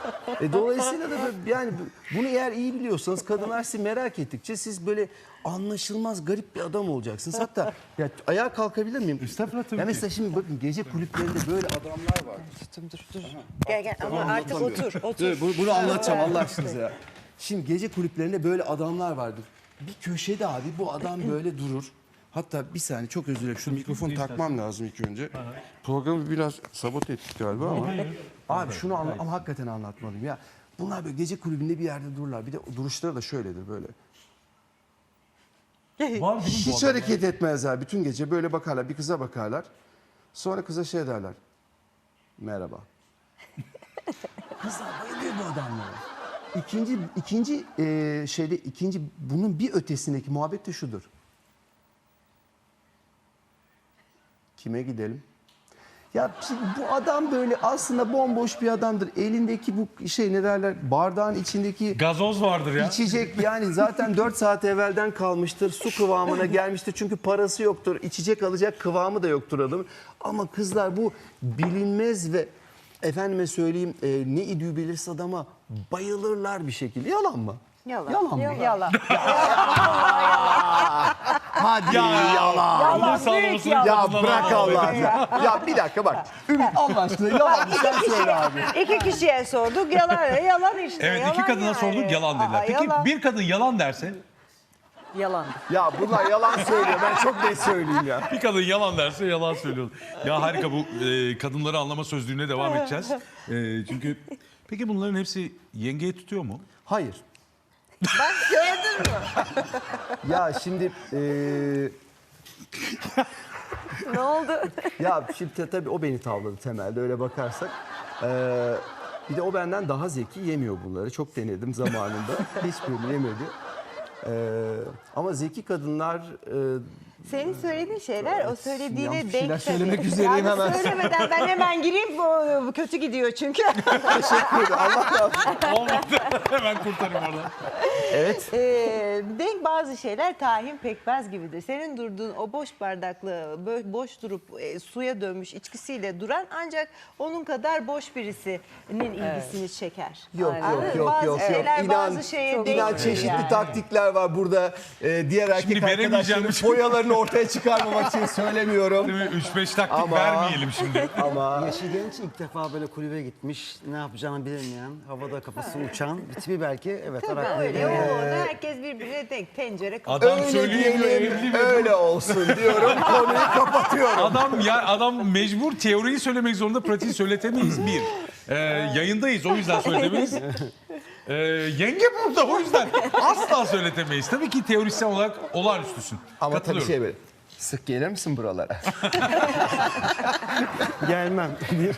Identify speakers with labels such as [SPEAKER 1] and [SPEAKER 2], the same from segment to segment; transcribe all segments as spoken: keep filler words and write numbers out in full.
[SPEAKER 1] E, dolayısıyla da böyle, yani bunu eğer iyi biliyorsanız kadınlar sizi merak ettikçe siz böyle anlaşılmaz garip bir adam olacaksınız. Hatta ya ayağa kalkabilir miyim?
[SPEAKER 2] Estağfurullah, tabii
[SPEAKER 1] Ya
[SPEAKER 2] ki.
[SPEAKER 1] mesela şimdi bakın gece kulüplerinde böyle adamlar var.
[SPEAKER 3] Dur dur dur. Gel gel ama artık otur otur.
[SPEAKER 1] Dur, bu- bunu anlatacağım Allah aşkına ya. Şimdi gece kulüplerinde böyle adamlar vardır. Bir köşede abi bu adam böyle durur. Hatta bir saniye çok özür dilerim. Şu mikrofonu takmam lazım ilk önce. Programı biraz sabote ettik galiba ama. Abi şunu anla ama hakikaten anlatmalıyım ya. Bunlar böyle gece kulübünde bir yerde dururlar. Bir de duruşları da şöyledir böyle.
[SPEAKER 2] Var değil mi bu
[SPEAKER 1] Hiç
[SPEAKER 2] adam?
[SPEAKER 1] hareket etmezler. Bütün gece böyle bakarlar. Bir kıza bakarlar. Sonra kıza şey derler. Merhaba. Kızlar bayılıyor bu adamlara. İkinci, ikinci e, şeyde ikinci bunun bir ötesindeki muhabbet de şudur. Kime gidelim? Ya şimdi bu adam böyle aslında bomboş bir adamdır. Elindeki bu şey ne derler bardağın içindeki
[SPEAKER 2] Gazoz vardır ya.
[SPEAKER 1] İçecek yani zaten dört saat evvelden kalmıştır. Su kıvamına gelmiştir. Çünkü parası yoktur. İçecek alacak kıvamı da yoktur adamın. Ama kızlar bu bilinmez ve efendime söyleyeyim e, ne idüğü belirsiz adama bayılırlar bir şekilde. Yalan mı?
[SPEAKER 3] Yalan.
[SPEAKER 1] Yalan mı?
[SPEAKER 3] Yalan.
[SPEAKER 1] Hadi yalan.
[SPEAKER 3] Yalan büyük yalan.
[SPEAKER 1] Ya bırak Allah ya. Ya bir dakika bak. Ümit Allah aşkına yalan sen söyle abi.
[SPEAKER 3] İki kişiye sorduk yalan yalan işte.
[SPEAKER 2] Evet
[SPEAKER 3] yalan
[SPEAKER 2] iki kadına
[SPEAKER 3] yani.
[SPEAKER 2] sorduk yalan dediler.
[SPEAKER 3] Aa,
[SPEAKER 2] Peki
[SPEAKER 3] yalan.
[SPEAKER 2] bir kadın yalan derse?
[SPEAKER 3] Yalan.
[SPEAKER 1] Ya bunlar yalan söylüyor. Ben çok net söyleyeyim ya.
[SPEAKER 2] Bir kadın yalan derse yalan söylüyor. Ya harika bu e, kadınları anlama sözlüğüne devam edeceğiz. E, çünkü peki bunların hepsi yengeye tutuyor mu?
[SPEAKER 1] Hayır.
[SPEAKER 3] Bak gördün mü?
[SPEAKER 1] Ya şimdi e,
[SPEAKER 3] Ne oldu?
[SPEAKER 1] ya şimdi ta- tabii o beni tavladı temelde öyle bakarsak. Ee, bir de o benden daha zeki yemiyor bunları. Çok denedim zamanında. Hiçbirini yemedi. Ee, ama zeki kadınlar e,
[SPEAKER 3] Senin söylediğin şeyler o söylediğine
[SPEAKER 1] yanlış şeyler
[SPEAKER 3] denk
[SPEAKER 1] söylemek
[SPEAKER 3] tabii.
[SPEAKER 1] üzereyim
[SPEAKER 3] yani
[SPEAKER 1] hemen.
[SPEAKER 3] söylemeden ben hemen gireyim bu, bu kötü gidiyor çünkü.
[SPEAKER 1] teşekkür ederim. Allah razı olsun.
[SPEAKER 2] Olmadı. Hemen kurtarayım oradan.
[SPEAKER 1] Evet.
[SPEAKER 3] Ee, denk bazı şeyler tahin pekmez gibidir. Senin durduğun o boş bardaklı, bö- boş durup e, suya dönmüş içkisiyle duran ancak onun kadar boş birisinin ilgisini çeker.
[SPEAKER 1] Yok
[SPEAKER 3] Anladın
[SPEAKER 1] yok
[SPEAKER 3] mı?
[SPEAKER 1] yok
[SPEAKER 3] bazı
[SPEAKER 1] yok yok.
[SPEAKER 3] şeyler
[SPEAKER 1] İnan,
[SPEAKER 3] bazı şeye
[SPEAKER 1] inan
[SPEAKER 3] denk
[SPEAKER 1] çeşitli
[SPEAKER 3] yani.
[SPEAKER 1] taktikler var burada. Ee, diğer erkek
[SPEAKER 2] veremeyeceğim
[SPEAKER 1] arkadaşlarım
[SPEAKER 2] bir şey.
[SPEAKER 1] boyalarını ortaya çıkarmamak için söylemiyorum.
[SPEAKER 2] Değil mi? üç beş taktik
[SPEAKER 1] Ama-
[SPEAKER 2] vermeyelim şimdi.
[SPEAKER 1] Ama
[SPEAKER 4] Yaşı genç ilk defa böyle kulübe gitmiş, ne yapacağını bilemeyen, havada kafası uçan, tipi belki evet
[SPEAKER 3] Tabii
[SPEAKER 4] araklıydı.
[SPEAKER 3] öyle. O, herkes birbirine denk. Tencere kapı.
[SPEAKER 2] Adam
[SPEAKER 1] öyle
[SPEAKER 2] söylüyor evli
[SPEAKER 1] diyelim,
[SPEAKER 2] mi?
[SPEAKER 1] öyle olsun diyorum. Konuyu kapatıyorum.
[SPEAKER 2] Adam ya adam mecbur teoriyi söylemek zorunda, pratiği söyletemeyiz bir. Ee, yayındayız o yüzden söyletemeyiz. Ee, yenge burada o yüzden asla söyletemeyiz. Tabii ki teorisyen olarak olağanüstüsün.
[SPEAKER 1] Ama tabii
[SPEAKER 2] Katılıyorum.
[SPEAKER 1] şey böyle. Sık gelir misin buralara?
[SPEAKER 4] Gelmem.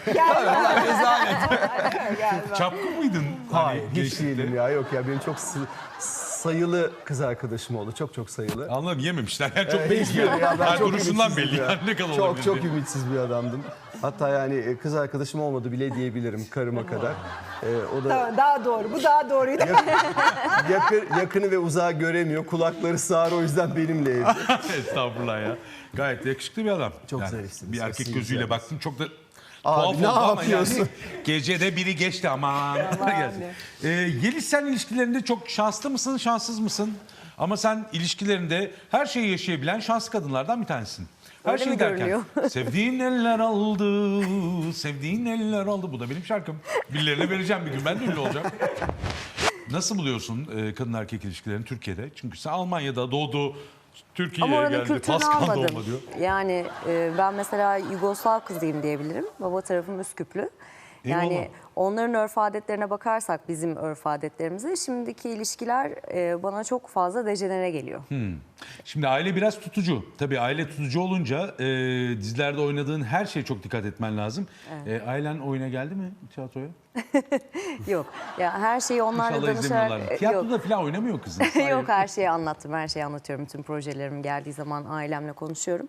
[SPEAKER 2] Çapkın mıydın?
[SPEAKER 1] Hayır,
[SPEAKER 2] Hani
[SPEAKER 1] hiç
[SPEAKER 2] gençlikte?
[SPEAKER 1] değilim ya. Yok ya benim çok sı- sayılı kız arkadaşım oldu. Çok çok sayılı.
[SPEAKER 2] Anladım yememişler. Yani çok
[SPEAKER 1] Evet,
[SPEAKER 2] belli
[SPEAKER 1] hiçbiri
[SPEAKER 2] yani.
[SPEAKER 1] ya, ben
[SPEAKER 2] Her
[SPEAKER 1] çok
[SPEAKER 2] duruşundan
[SPEAKER 1] ümitsizdim
[SPEAKER 2] belli
[SPEAKER 1] ya.
[SPEAKER 2] yani ne kadar
[SPEAKER 1] Çok
[SPEAKER 2] olabilir
[SPEAKER 1] çok
[SPEAKER 2] diye.
[SPEAKER 1] ümitsiz bir adamdım. Hatta yani e, kız arkadaşım olmadı bile diyebilirim karıma kadar. Ee, o da
[SPEAKER 3] Tamam, daha doğru. Bu daha doğruydu.
[SPEAKER 1] yakın, yakını ve uzağı göremiyor. Kulakları sağır o yüzden benimle evde.
[SPEAKER 2] Estağfurullah ya. Gayet yakışıklı bir adam.
[SPEAKER 1] Çok zarifsiniz,
[SPEAKER 2] Bir erkek
[SPEAKER 1] sizin
[SPEAKER 2] gözüyle
[SPEAKER 1] güzeliniz.
[SPEAKER 2] baktım çok da
[SPEAKER 1] Abi,
[SPEAKER 2] tuhaf
[SPEAKER 1] ne
[SPEAKER 2] oldu ama
[SPEAKER 1] yapıyorsun?
[SPEAKER 2] yani gecede biri geçti aman. Gerçekten. Ee, Yeliz sen ilişkilerinde çok şanslı mısın, şanssız mısın? Ama sen ilişkilerinde her şeyi yaşayabilen şanslı kadınlardan bir tanesin. Her
[SPEAKER 3] Öyle
[SPEAKER 2] şey
[SPEAKER 3] mi
[SPEAKER 2] derken
[SPEAKER 3] görünüyor?
[SPEAKER 2] sevdiğin eller aldı, sevdiğin eller aldı. Bu da benim şarkım. Birilerine vereceğim bir gün ben de ünlü olacağım. Nasıl buluyorsun e, kadın erkek ilişkilerini Türkiye'de? Çünkü sen Almanya'da doğdu,
[SPEAKER 5] Ama
[SPEAKER 2] Türkiye'ye
[SPEAKER 5] oranın
[SPEAKER 2] geldi,
[SPEAKER 5] kültürünü
[SPEAKER 2] Pascal
[SPEAKER 5] almadım.
[SPEAKER 2] doğma diyor.
[SPEAKER 5] Yani e, ben mesela Yugoslav kızıyım diyebilirim. Baba tarafım Üsküplü. Yani
[SPEAKER 2] Eyvallah.
[SPEAKER 5] onların örf adetlerine bakarsak bizim örf adetlerimize şimdiki ilişkiler e, bana çok fazla dejenere geliyor.
[SPEAKER 2] Şimdi aile biraz tutucu. Tabii aile tutucu olunca e, dizilerde oynadığın her şeye çok dikkat etmen lazım. E, ailen oyuna geldi mi tiyatroya?
[SPEAKER 5] Yok. Ya her şeyi onlarla
[SPEAKER 2] İnşallah
[SPEAKER 5] danışarak
[SPEAKER 2] izlemiyorlar.
[SPEAKER 5] e, yok.
[SPEAKER 2] Tiyatroda falan oynamıyor kızın.
[SPEAKER 5] Yok her şeyi anlattım. Her şeyi anlatıyorum. Bütün projelerim geldiği zaman ailemle konuşuyorum.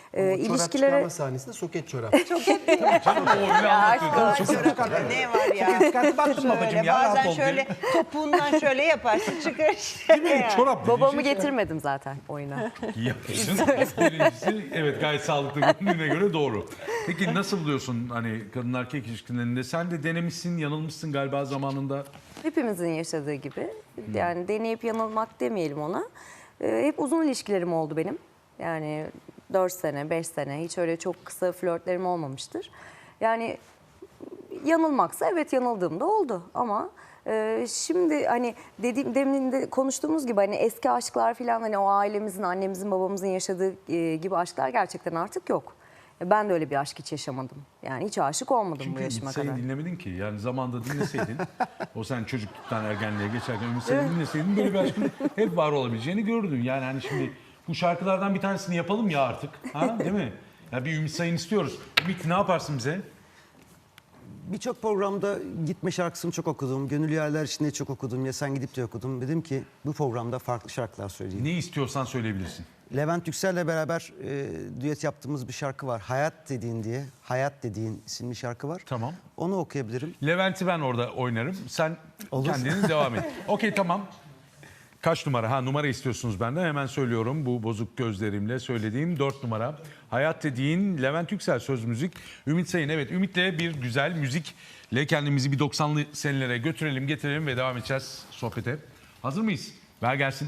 [SPEAKER 5] e,
[SPEAKER 1] O çorap
[SPEAKER 5] ilişkilere...
[SPEAKER 1] çıkarma sahnesinde soket çorap.
[SPEAKER 2] Canım o öyle anlatıyor.
[SPEAKER 5] aşk
[SPEAKER 2] Çok
[SPEAKER 3] Çorapta ne var ya?
[SPEAKER 6] Dikkatli baktım babacığım
[SPEAKER 3] Şöyle
[SPEAKER 6] ya.
[SPEAKER 3] bazen
[SPEAKER 6] rahat ol
[SPEAKER 3] şöyle
[SPEAKER 6] diye.
[SPEAKER 3] topuğundan şöyle yaparsın çıkar.
[SPEAKER 2] Çorap
[SPEAKER 5] Babamı
[SPEAKER 2] dediğin
[SPEAKER 5] getirmedim zaten oyuna.
[SPEAKER 2] şey yapmışsın. Birincisi evet gayet sağlıklı göründüğüne göre doğru. Peki nasıl buluyorsun hani kadın erkek ilişkilerinde? Sen de denemişsin, yanılmışsın galiba zamanında.
[SPEAKER 5] Hepimizin yaşadığı gibi. Yani deneyip yanılmak demeyelim ona. Ee, hep uzun ilişkilerim oldu benim. Yani dört sene, beş sene hiç öyle çok kısa flörtlerim olmamıştır. Yani yanılmaksa evet yanıldığım da oldu ama e, şimdi hani dediğim demin de konuştuğumuz gibi hani eski aşklar falan hani o ailemizin, annemizin, babamızın yaşadığı e, gibi aşklar gerçekten artık yok. Ben de öyle bir aşk hiç yaşamadım. Yani hiç aşık olmadım bu
[SPEAKER 2] Çünkü
[SPEAKER 5] yaşıma
[SPEAKER 2] Ümit Say'ı
[SPEAKER 5] kadar.
[SPEAKER 2] dinlemedin ki. Yani zamanında dinleseydin, o sen çocukluktan ergenliğe geçerken Ümit Say'ı dinleseydin böyle bir aşkın hep var olabileceğini görürdün. Yani hani şimdi bu şarkılardan bir tanesini yapalım ya artık. Ha, değil mi? Ya bir Ümit Say'ını istiyoruz. Ümit ne yaparsın bize?
[SPEAKER 4] Birçok programda gitme şarkısını çok okudum. Gönül Yerler içinde çok okudum. Ya Sen Gidip de okudum. Dedim ki bu programda farklı şarkılar söyleyeyim.
[SPEAKER 2] Ne istiyorsan söyleyebilirsin.
[SPEAKER 4] Levent Yüksel'le beraber e, düet yaptığımız bir şarkı var. Hayat Dediğin diye. Hayat Dediğin isimli şarkı var.
[SPEAKER 2] Tamam.
[SPEAKER 4] Onu okuyabilirim.
[SPEAKER 2] Levent'i ben orada oynarım. Sen
[SPEAKER 4] Olur.
[SPEAKER 2] kendiniz devam et. Okey tamam. Kaç numara? Ha numara istiyorsunuz benden. Hemen söylüyorum. Bu bozuk gözlerimle söylediğim dört numara. Hayat Dediğin Levent Yüksel söz müzik. Ümit Sayın evet Ümit'le bir güzel müzikle kendimizi bir doksanlı senelere götürelim getirelim ve devam edeceğiz sohbete. Hazır mıyız? Ver gelsin.